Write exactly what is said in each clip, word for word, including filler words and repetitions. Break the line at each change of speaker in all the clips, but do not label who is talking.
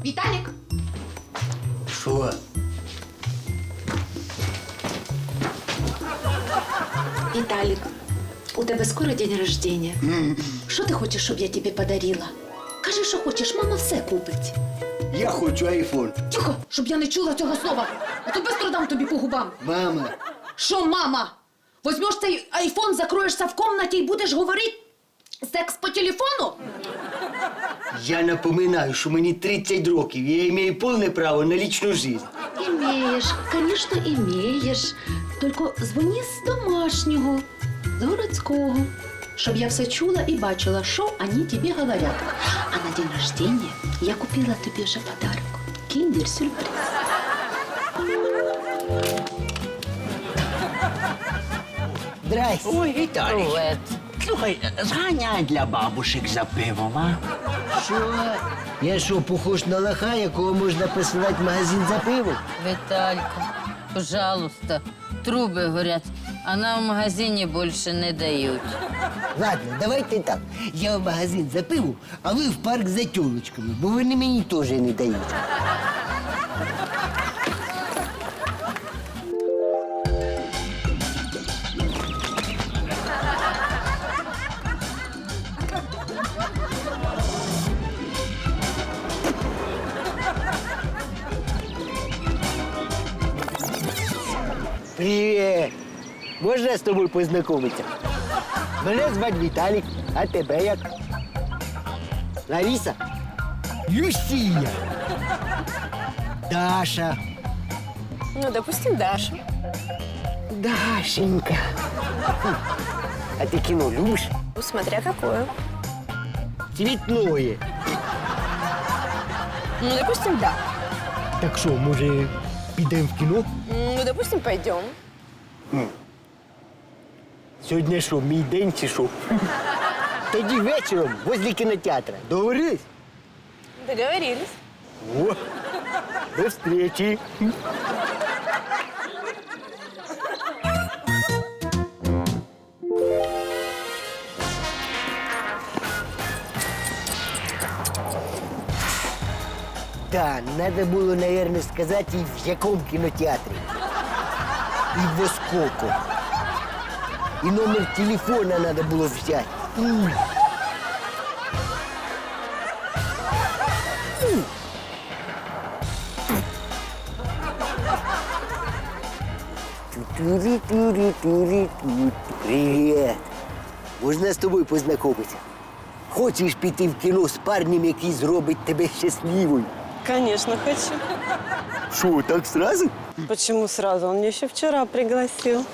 Віталік!
Що?
Віталік, у тебе скоро день рождения. Що ти хочеш, щоб я тобі подарила? Кажи, що хочеш, мама все купить.
Я хочу айфон.
Тихо, щоб я не чула цього слова. А то бистро дам тобі по губам.
Мама.
Що, мама? Возьмеш цей айфон, закроєшся в комнаті і будеш говорити секс по телефону?
Я напоминаю, що мені тридцять років, і я маю повне право на лічну життя.
Імеєш, звісно, імеєш. Тільки дзвони з домашнього, з городського, щоб я все чула і бачила, що вони тобі говорять. А на день рождения я купила тобі вже подарок. Кіндер-сюрприз.
Здрасте.
Ой, Віталій.
Привет.
Слухай, зганяй для бабушек за пивом, а?
Що? Я що, похож на лоха, якого можна посилати в магазин за пивом?
Виталька, пожалуйста, трубы горят, а нам в магазине больше не дают.
Ладно, давайте так. Я в магазин за пивом, а ви в парк за тёлочками, бо вони мені теж не дають. Привіт! Можна з тобою познайомитися? Мене звати Віталік, а тебе як? Лариса? Люсія. Даша.
Ну, допустим, Даша.
Дашенька. Хм. А ти кіно любиш?
Ну, смотря какое.
Цвітное.
Ну, допустим, да.
Так що, може, підемо в кіно?
Ну, допустим, пойдем.
Сьогодні що, мій день чи що? Тоді вечором возле кінотеатра. Договорились?
Договорились.
О, до встречи. Да, надо было, наверное, сказать, и в яком кинотеатре. И во сколько. И номер телефона надо было взять. М. М. Ту-ту-ри-ту-ри-ту-ри-ту. Привет. Можна з тобою познайомитися? Хочеш піти в кіно з парнем, який зробить тебе щасливою?
Конечно, хочу.
Що, так сразу?
Почему сразу? Он меня еще вчера пригласил.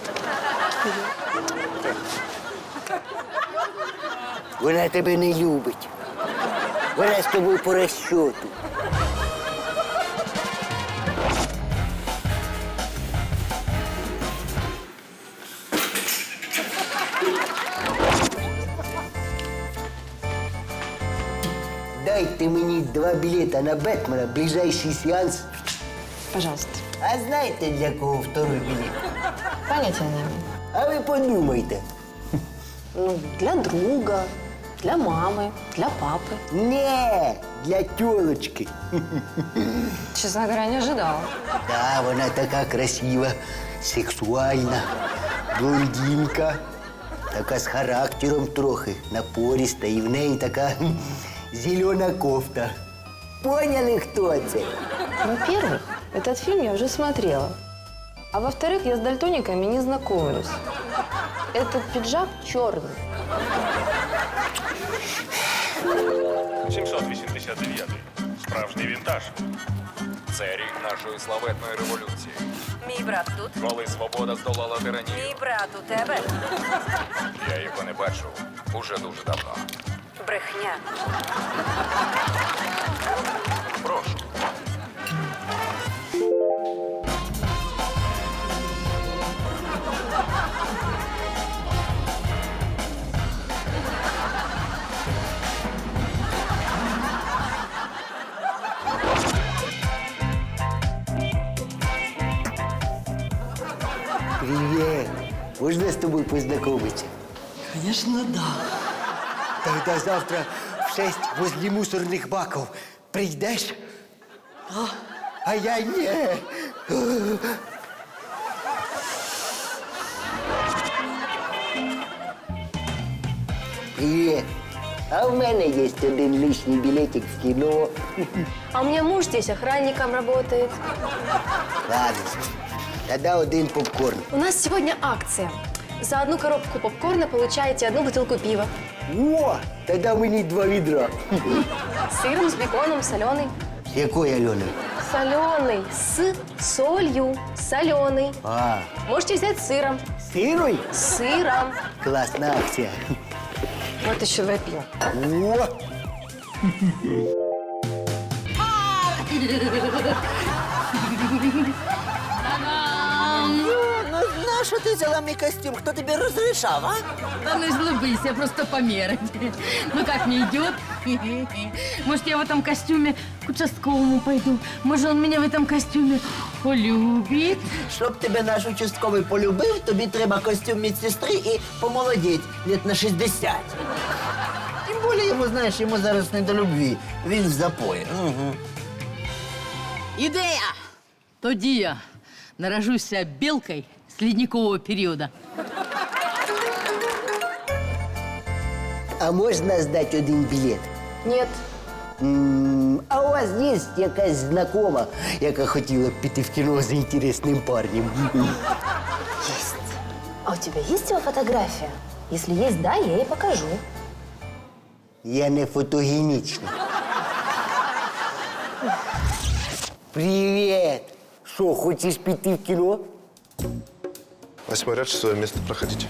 Вона тебе не любить. Вона з тобою по розчету. Дайте мені два білета на Бетмена, ближайший сеанс.
Пожалуйста.
А знаєте, для кого второй білет?
Понятия не имею.
А ви подумайте.
Ну, для друга, для мамы, для папы.
Не, для тёлочки.
Честно говоря, не ожидала.
Да, вона така красива, сексуальна, блондинка, така з характером трохи, напориста, і в неї така хм, зелена кофта. Поняли, хто це?
Во-первых, этот фильм я уже смотрела. А во-вторых, я с дальтониками не знакомлюсь. Этот пиджак черный.
сімсот вісімдесят дев'ятий. Справжній вінтаж. Це рік нашої славетної революції.
Мій брат тут.
Коли свобода здолала тиранію.
Мій брат у тебе.
Я його не бачив уже дуже давно.
Брехня.
Прошу.
Привет. Можна з тобою познайомитися?
Конечно, да.
Тогда завтра в шесть возле мусорных баков прийдеш? А я ні. Привіт. А в мене є один лишній білетик в кіно.
А у меня муж здесь охранником работает.
Ладно, тоді один попкорн.
У нас сегодня акция. За одну коробку попкорна получаете одну бутылку пива.
О, тоді мені два відра.
С сыром, с беконом, соленый.
З якої, Альони?
Соленый. С солью. Соленый.
А,
Можете взять с сыром.
сирой?
С сыром.
Класна акція.
Вот еще выпью.
О!
Ну, на що ти взяла мій костюм? Хто тобі розрішав, а?
Да ну излыбись, я просто померить. Ну как мне идет? Может, я в этом костюме к участковому пойду? Может, он меня в этом костюме полюбит?
Щоб тебе наш участковий полюбив, тобі треба костюм медсестри і помолодіть лет на шістдесят. Тим більше йому, знаєш, йому зараз не до любві. Він в запої. Угу.
Ідея! Тоді я наражуся білкою з ледникового періоду.
А можна здати один білет?
Нет.
М, А у вас є якась знакома, яка хотіла б піти в кіно з інтересним парнем?
Есть. А у тебя есть его фотография? Если есть, да, я ей покажу.
Я не фотогенічний. Привіт! Що, хочеш піти в кіно?
Восьмой ряд, шестое место, проходите.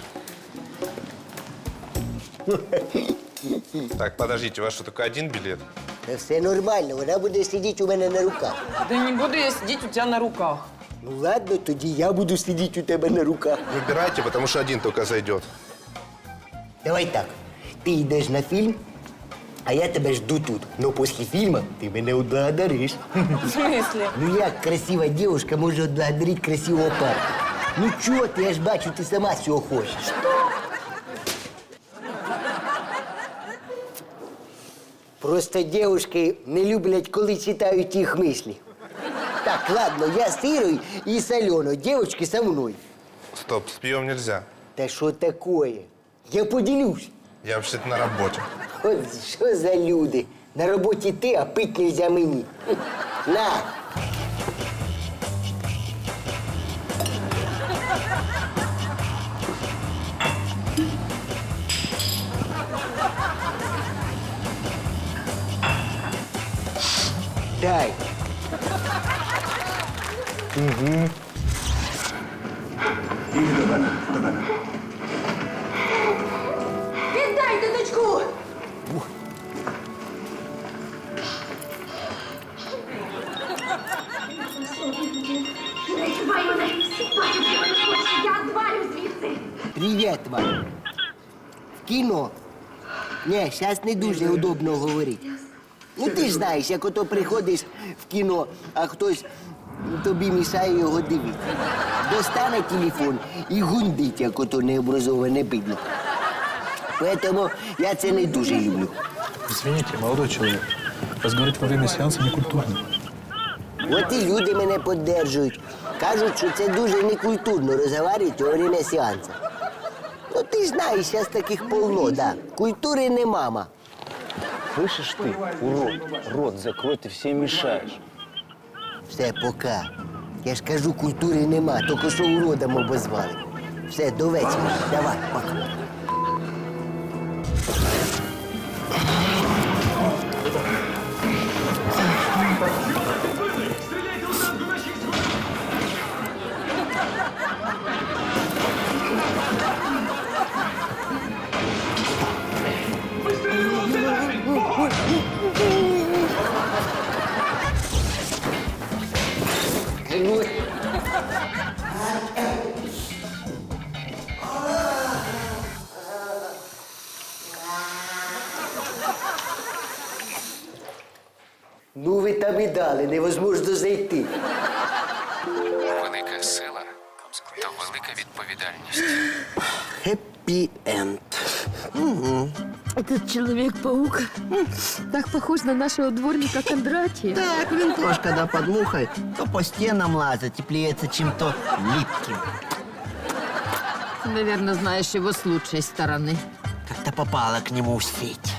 Так, подождите, у вас что, только один билет?
Та все нормально, вона буде сидіти у мене на руках.
Да не буду я сидеть у тебя на руках.
Ну ладно, тоді я буду сидіти у тебе на руках.
Выбирайте, потому что один только зайдет.
Давай так, ти йдеш на фільм, а я тебе жду тут. Но після фільму ти мене отблагодариш.
В смысле?
Ну як красива дівчинка може отблагодарити красивого парня? Ну чого ти, я ж бачу, ти сама цього хочеш. Просто дівчатки не люблять, коли читають їх мислі. Так, ладно, я з Ірою і з Альоною, дівчатки со мною.
Стоп, с пьем нельзя.
Та що такое? Я поділюсь.
Я вообще-то на работе.
От що за люди? На роботі ти, а пить нельзя мені. На! Дай.
Віддайте дочку!
Я звалю звідси.
Привіт вам. В кіно. Ні, зараз не дуже удобно говорити. Ну ти ж знаєш, як ото приходиш в кіно, а хтось тобі мішає його дивитися. Достане телефон і гундить, як ото необразоване бидло. Поэтому я це не дуже люблю.
Извините, молодой человек, разговаривать во время сеанса некультурно.
От і люди мене підтримують. Кажуть, що це дуже некультурно розговорювати во время сеансу. Ну ти ж знаєш, зараз таких полно, да. Культури не мама.
Слышишь ты, урод, рот закрой, ты всем мешаешь.
Все, пока. Я ж кажу, культури нема, тільки що уродом обозвали. Все, до вечора. Давай, пока. Ну ви там і дали, невозможно зайти.
Велика сила то велика відповідальність.
Хеппі енд. Угу.
Этот Человек-паук так похож на нашего дворника Кондратия.
Так, він теж, коли під мухою, то по стінам лазить і плюється чим-то липким.
Ты, наверное, знаешь его с лучшей стороны.
Как-то попала к нему в сеть.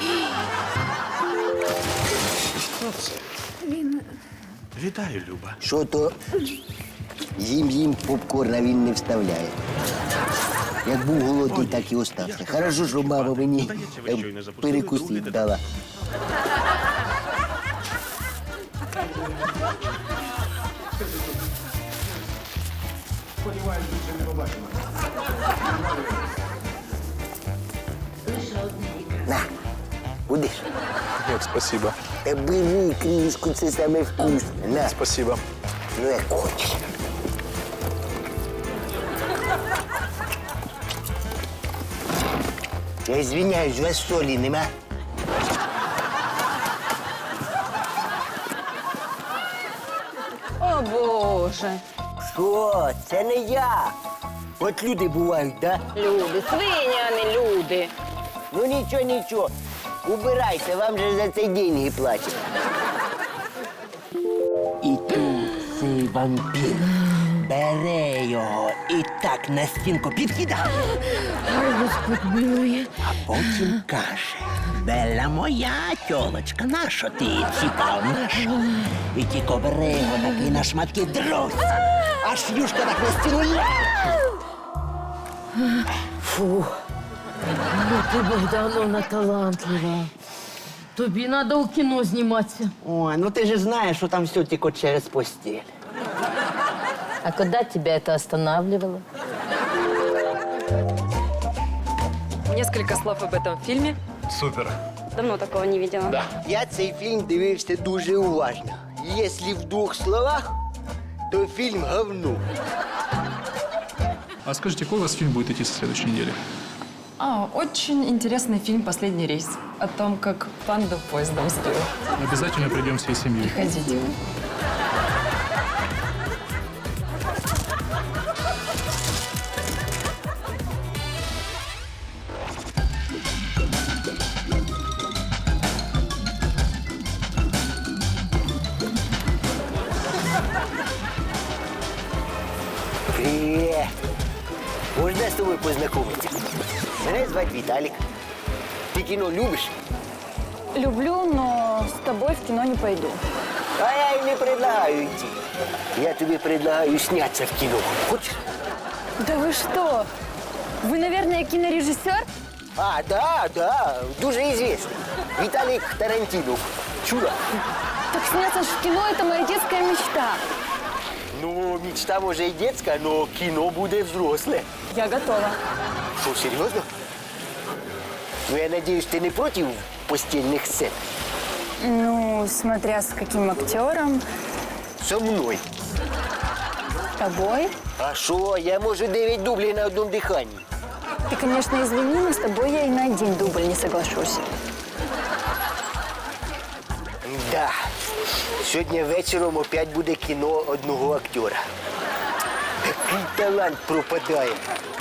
Вітаю, Люба.
Що то їм-їм попкорна він не вставляє. Як був голодний, так і остався. Хорошо, що мама мені е, перекусити дала. На, будеш?
Нет, спасибо.
Та бери кришку, це саме вкусне. На,
Спасибо.
ну як хочеш. Я извиняюсь, у вас солі нема?
О, Боже.
Що? Це не я. От люди бувають, да?
Люди, свині, а не люди.
Ну нічого, нічого. Убирайте, вам же за це деньги платять. І тут цей вампір бере його і так на стінку підкидає.
Ой, Господь милує.
А потім каже: Белла моя тьолочка, нащо ти цікав наша? І тільки бере його такий на шматки дрось. Аж юшка так на стіну ляже.
Фу. Ну ти, Богдановна, талантлива. Тобі треба у кіно зніматися.
Ой, ну ти ж знаєш, що там все тільки через постіль.
А когда тебя это останавливало?
Несколько слов об этом фильме.
Супер.
Давно такого не видела.
Я цей фільм дивився дуже уважно. Якщо в двох словах, то фільм говно.
А скажите, какой у вас фильм будет идти со следующей недели?
А, очень интересный фильм «Последний рейс». О том, как панду поездом сбил.
Обязательно придем всей семьей.
Приходите.
Привіт! Можна з тобою познайомитися? Мене звати Віталік. Ти кіно любиш?
Люблю, но с тобой в кино не пойду.
А я й не предлагаю йти. Я тобі предлагаю снятися в кіно. Хочеш?
Да вы что? Вы, наверное, кинорежиссер?
А, да, да, дуже известный. Віталік Тарантінов. Чула?
Так сняться ж в кино – это моя детская мечта.
Ну, мечта може і детська, но кіно буде взросле.
Я готова.
Що, серйозно? Ну, я надіюсь, ти не проти постільних сцен?
Ну, смотря с каким актером.
Со мною.
С тобой.
А що, я можу дев'ять дублів на одному диханні.
Ты, конечно, извини, но с тобой я и на один дубль не соглашусь.
Да. Сьогодні вечором опять буде кіно одного актера. Такий талант пропадає.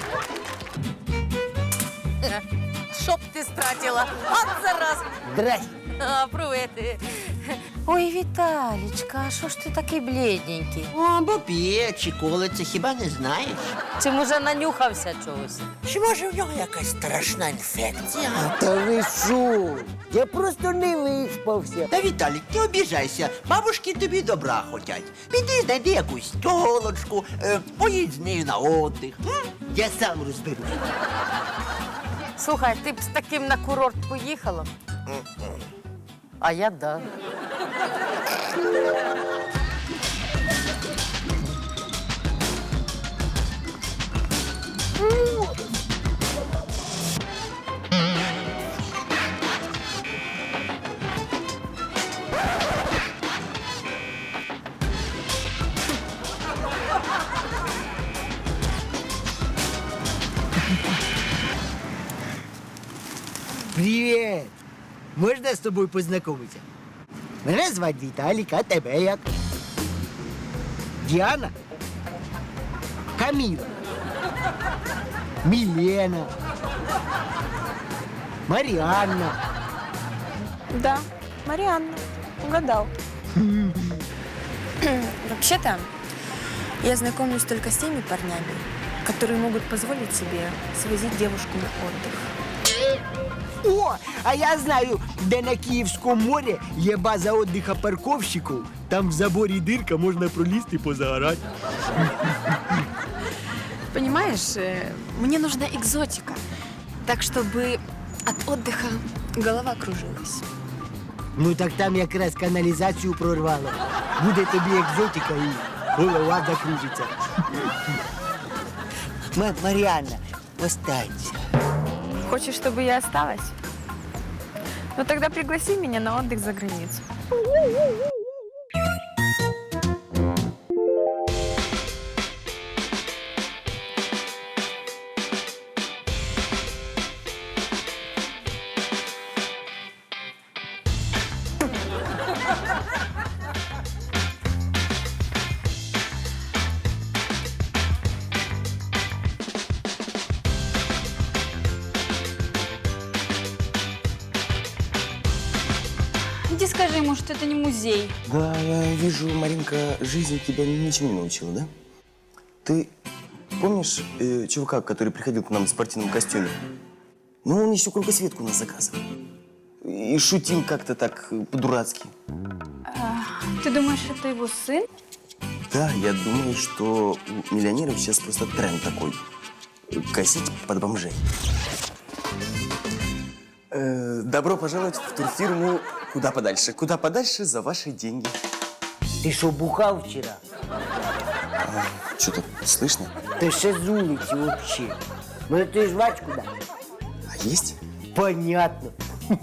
Чтоб ты стратила. От зараз.
Здрасте.
А, привет. Ой, Віталічка, а що ж ти такий блідненький?
О, бо п'є чи колиться, хіба не знаєш?
Чи, може, нанюхався чогось?
Чи може в нього якась страшна інфекція?
Та ви що? Я просто не виспався.
Та, Віталік, не обіжайся. Бабушки тобі добра хотять. Піди, знайди якусь тьолочку, е, поїдь з нею на отдих. М? Я сам розберусь.
Слухай, ти б з таким на курорт поїхала? А я да.
Привіт! Можна з тобою познайомитися? Мене звати Віталік, а тебе як? Діана? Каміла? Мілена? Маріанна.
Да, Марианна. Угадал. Вообще-то, я знакомлюсь только с теми парнями, которые могут позволить себе свозить девушку на отдых.
О, а я знаю, де на Київському морі є база відпочинку парковщиків. Там в заборі дирка, можна пролізти і позагорати.
Понимаешь, э, мне нужна экзотика. Так, чтобы от отдыха голова кружилась.
Ну так там якраз каналізацію прорвало. Буде тобі екзотика і голова закружиться. Ма- Маріанна, останься.
Хочешь, чтобы я осталась? Ну тогда пригласи меня на отдых за границу.
Иди скажи ему, что это не музей.
Да, я вижу, Маринка, жизнь тебя ничему не научила, да? Ты помнишь э, чувака, который приходил к нам в спортивном костюме? Ну, он еще кругосветку у нас заказывал. И шутил как-то так э, по-дурацки.
Ты думаешь, это его сын?
Да, я думаю, что у миллионеров сейчас просто тренд такой. Косить под бомжей. Э, добро пожаловать в турфирму «Куда подальше». Куда подальше за ваши деньги.
Ти що, бухав вчора?
Что-то слышно?
Ти ще з вулиці взагалі. Може, ти жвачку даш?
А есть?
Понятно.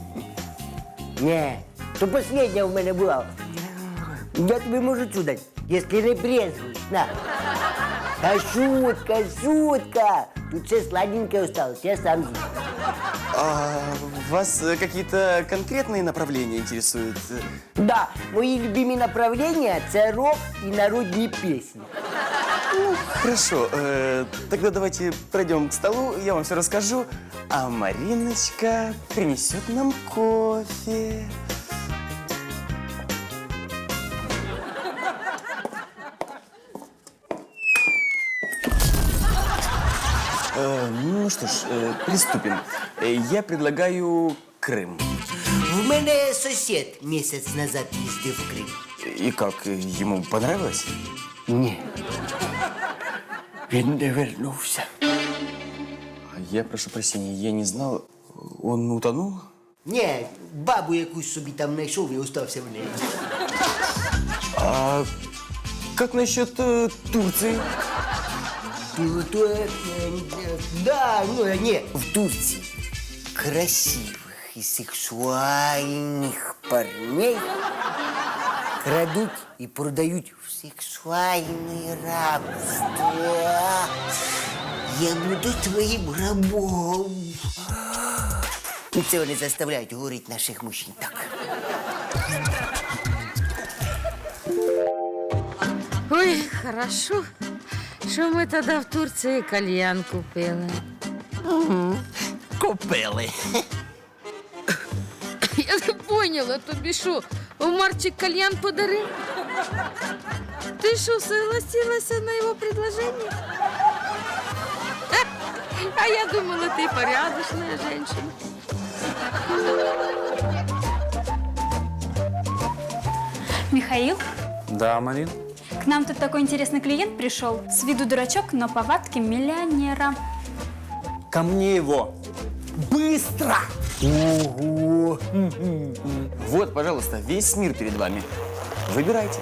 Не, то последня в мене була. Я тобі можу цю дати, якщо не брезгуєш. На. Та шутка, шутка. Тут все сладенькое осталось, я сам з'їм.
А вас э, какие-то конкретные направления интересуют?
Да, мої любимі направлення – це рок і народні пісні.
Хорошо, э, тогда давайте пройдем к столу, я вам все расскажу, а Мариночка принесет нам кофе. Э, ну что ж, э, приступим. Э, Я предлагаю Крым.
В мене сусід місяць назад їздив в Крим.
И как, э, ему понравилось?
Ні. Він не вернувся.
Я прошу прощения, я не знал, он утонул?
Ні, бабу якусь собі там знайшов і остався в неї.
А как насчет э, Турции?
Ну, то, е, е, да, ну, е, ні, в Турції красивих і сексуальних парней крадуть і продають в сексуальне рабство. Я буду твоїм рабом. І це вони заставляють говорити наших мужчин так.
Ой, хорошо, що ми тоді в Турції кальян купили.
Купили.
Я не поняла, тобі що, Марчик кальян подарив? Ти що, согласилася на його предложение? А я думала, ты порядочная женщина.
Михаил,
Да, Марин?
к нам тут такой интересный клиент пришел. С виду дурачок, но повадки миллионера.
Ко мне его.
Быстро! Ого!
Вот, пожалуйста, весь мир перед вами. Выбирайте.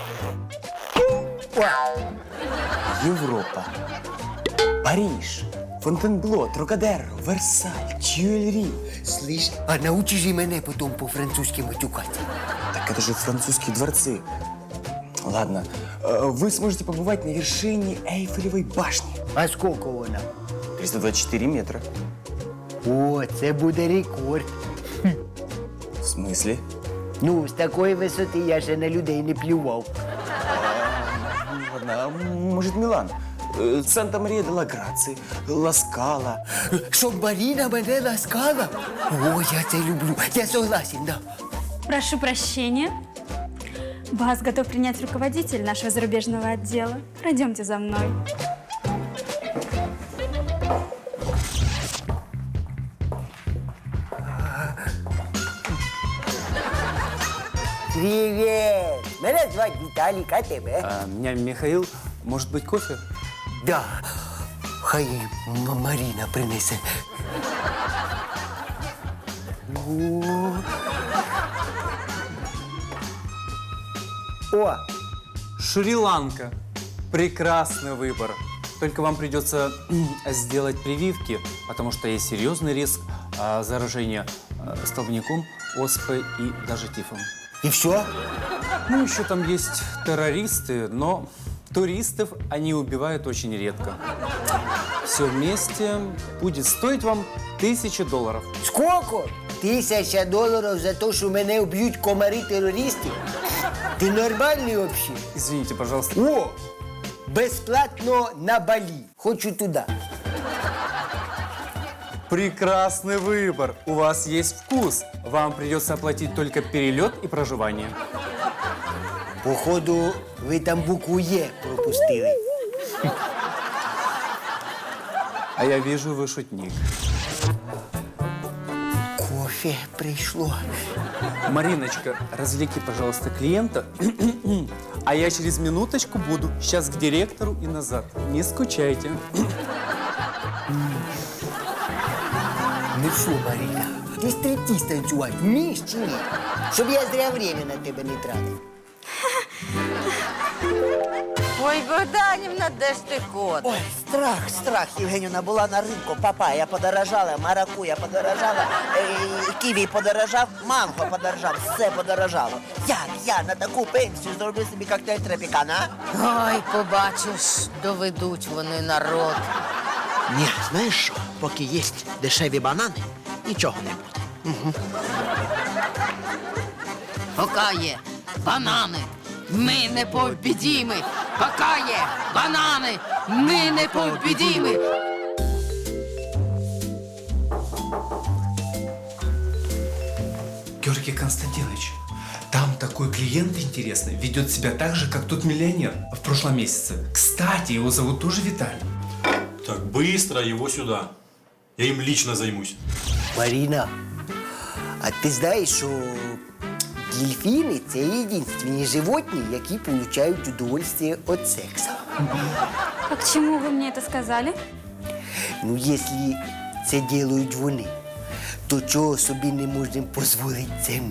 Европа, Париж, Фонтенбло, Трокадеро, Версаль, Тюильри.
Слышь, а научи же мене потом по-французски матюкать.
Так это же французские дворцы. Ладно, э, вы сможете побывать на вершине Эйфелевой башни.
А сколько вона?
триста двадцать четыре метра.
О, це буде рекорд.
В смысле?
Ну, з такої висоти я ще на людей не плював.
Ладно, а может Милан? э, Санта-Мария де ла Граци, Ласкала.
Щоб Маріна мене ласкала? О, я це люблю. Я согласен, да.
Прошу прощения. Вас готов принять руководитель нашего зарубежного отдела. Пройдемте за мной.
Привіт! Мене звати Віталік, а тебе?
А, меня Михаил. Может быть, кофе?
Да. Хай М- Маріна принесе. О.
О, Шри-Ланка. Прекрасный выбор. Только вам придется сделать прививки, потому что есть серьезный риск а, заражения а, столбняком, оспой и даже тифом.
И все?
Ну, еще там есть террористы, но туристов они убивают очень редко. Все вместе будет стоить вам тысячу долларов.
Сколько? Тисяча доларів за те, що мене вб'ють комари-терористи? Ти нормальний взагалі?
Извините, пожалуйста.
О! Безплатно на Балі. Хочу туди.
Прекрасный выбор. У вас есть вкус. Вам придется оплатить только перелет и проживание.
Походу, ви там букву Є пропустили.
А я вижу, вы шутник.
Кофе прийшло.
Мариночка, развлеки, пожалуйста, клиента. А я через минуточку буду. Сейчас к директору и назад. Не скучайте.
Ну що, Маріна, ти стриптиз танцювати вмієш чи ні? Щоб я зря время на тебе не тратив.
Ой, Богданівна, де ж ти ходиш?
Ой, страх, страх, Євгенівна, була на ринку, папая подорожала, маракуя подорожала, е, ківі подорожав, манго подорожав, все подорожало. Як я на таку пенсію зроблю собі коктейль тропікана, а?
Ой, побачиш, доведуть вони народ.
Ні, знаєш що, поки є дешеві банани, нічого не буде. Угу.
Пока є банани, ми не побідіми. Пока є банани, ми не побідіми.
Георгий Константинович, там такой клиент интересный, ведет себя так же, как тот миллионер в прошлом месяце. Кстати, его зовут тоже Виталий.
Так, быстро его сюда. Я им лично займусь.
Маріна, а ти знаєш, що дельфіни – це єдинственні животні, які отримують удовольствие від сексу.
А к чему вы мне это сказали?
Ну, якщо це роблять вони, то чого собі не можемо дозволити це ми?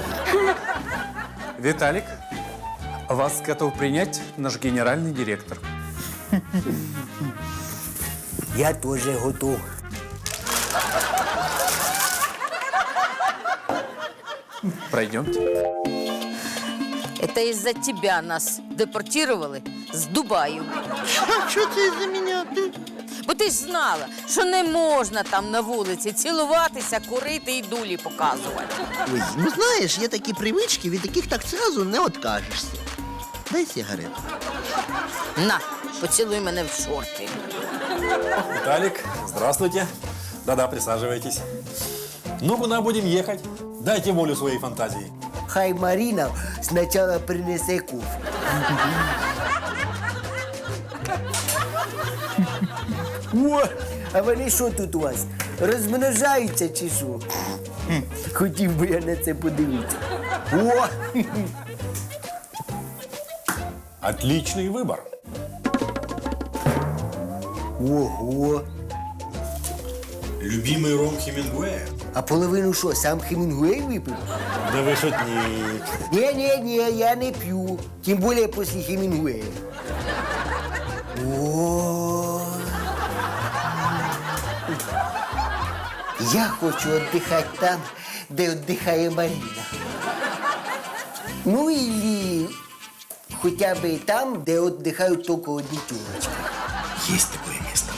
Виталик, вас готов принять наш генеральный директор.
Я теж готов.
Пройдемте.
Это из-за тебя нас депортировали з Дубаю.
Що це за мене?
Бо ти ж знала, що не можна там на вулиці цілуватися, курити і дулі показувати.
Ой, ну знаєш, є такі привички, від яких так зразу не откажешся. Дай сигарету.
На, поцілуй мене в шорти.
Виталик, здравствуйте. Да-да, присаживайтесь. Ну, куда будем ехать? Дайте волю своей фантазии.
Хай Маріна спочатку принесе кофе. О, а вони що тут у вас? Розмножаються чи що? Хотів би я на це подивитися. О!
Отличный выбор.
Ого!
Любимый ром Хемингуэя.
А половину що, сам Хемінгуей випив?
Да вы шутник.
Ні-ні-ні, я не п'ю. Тим більше після Хемінгуея. О! Я хочу віддихати там, де віддихає Маріна. Ну, і хоча б там, де віддихають тільки одні тюрочки.
Есть такое место.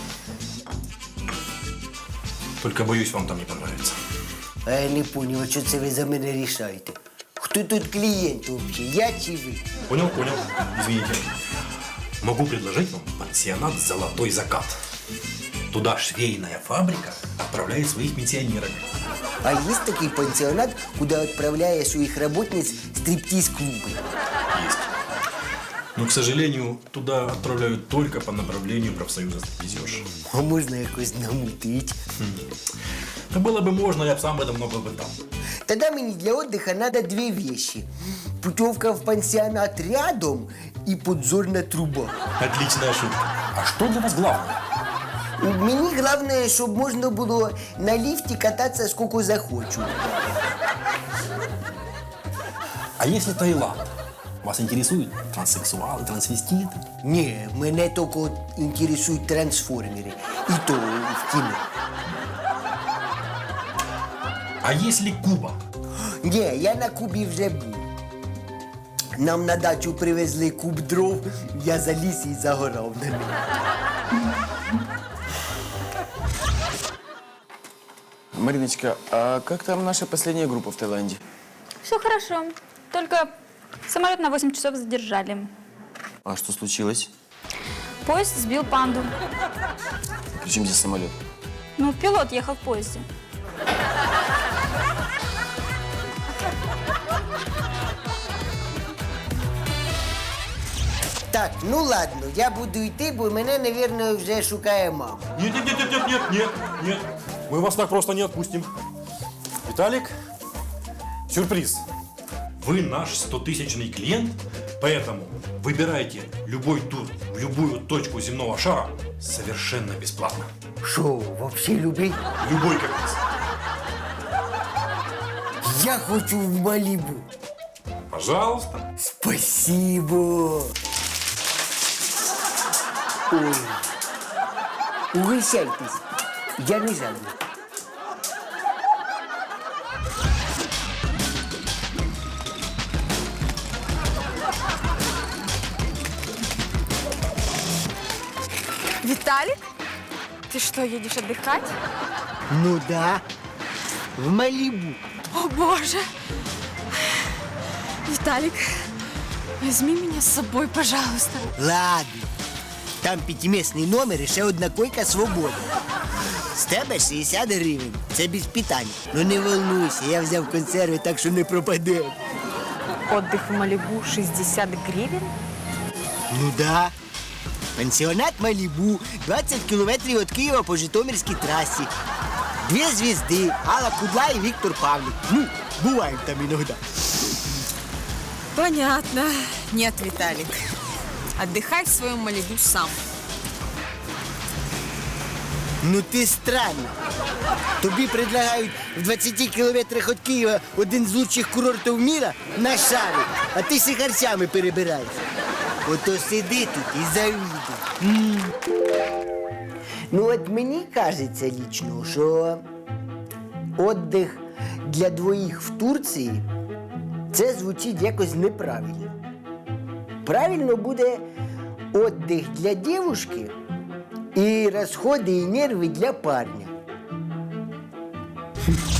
Только боюсь, вам там не понравится.
А я не понял, що це ви за мене рішаєте. Хто тут клієнт взагалі, я чи ви?
Понял, понял. Извините. Могу предложить вам пансионат «Золотой закат». Туда швейная фабрика отправляет своих пенсионеров.
А есть такой пансионат, куда отправляя своих работниц стриптиз-клубы?
Есть. Но, к сожалению, туда отправляют только по направлению профсоюза стриптизерш.
А можно якось намутить?
Да было бы можно, я бы сам бы давно был бы там.
Тогда мне для отдыха надо две вещи. Путевка в пансионат рядом и подзорная труба.
Отличная шутка. А что для вас главное?
Мені головне, щоб можна було на ліфті кататися скільки захочу.
А если Таиланд? Вас интересуют транссексуалы, трансвеститы?
Ні, мене тільки інтересують трансформери. І то в кіно.
А если Куба?
Ні, я на Кубі вже був. Нам на дачу привезли куб дров, я заліз і загорав на ньому.
Мариночка, а как там наша последняя группа в Таиланде?
Все хорошо. Только самолет на восемь часов задержали.
А что случилось?
Поезд сбил панду.
Причем здесь самолет?
Ну, пилот ехал в поезде.
Так, ну ладно, я буду йти, бо мене, мабуть, вже шукає мама.
Нет, нет, нет, нет, нет, нет, нет. Мы вас так просто не отпустим. Виталик, сюрприз. Вы наш стотысячный клиент, поэтому выбирайте любой тур в любую точку земного шара совершенно бесплатно.
Що, вообще любий?
Любой каприз.
Я хочу в Малібу.
Пожалуйста.
Спасибо. Ой. Угощайтесь. Я не жадный.
Виталик? Ты что, едешь отдыхать?
Ну да, в Малибу.
О, боже! Виталик, возьми меня с собой, пожалуйста.
Ладно. Там п'ятимісний номер і ще одна койка свободна. З тебе шістдесят гривень. Це без питань. Ну не волнуйся, я взяв консерви, так що не пропаде.
Отдых в Малибу шестьдесят гривен?
Ну да. Пансіонат Малібу, двадцять кілометрів від Києва по Житомирській трасі. Дві звізди, Алла Кудла і Віктор Павлік. Ну, буваємо там іноді.
Понятно. Нет, Виталик. Отдыхай в своем Малибу сам.
Ну ти странно. Тобі предлагають в двадцяти кілометрах від Києва один з лучших курортів міра на шарі, а ти сихарцями перебираєш. Ото сиди тут і завідуй. Ну от мені кажеться лічно, що відпочинок для двоїх в Турції це звучить якось неправильно. Правильно буде відпочинок для дівчинки і розходи і нерви для парня.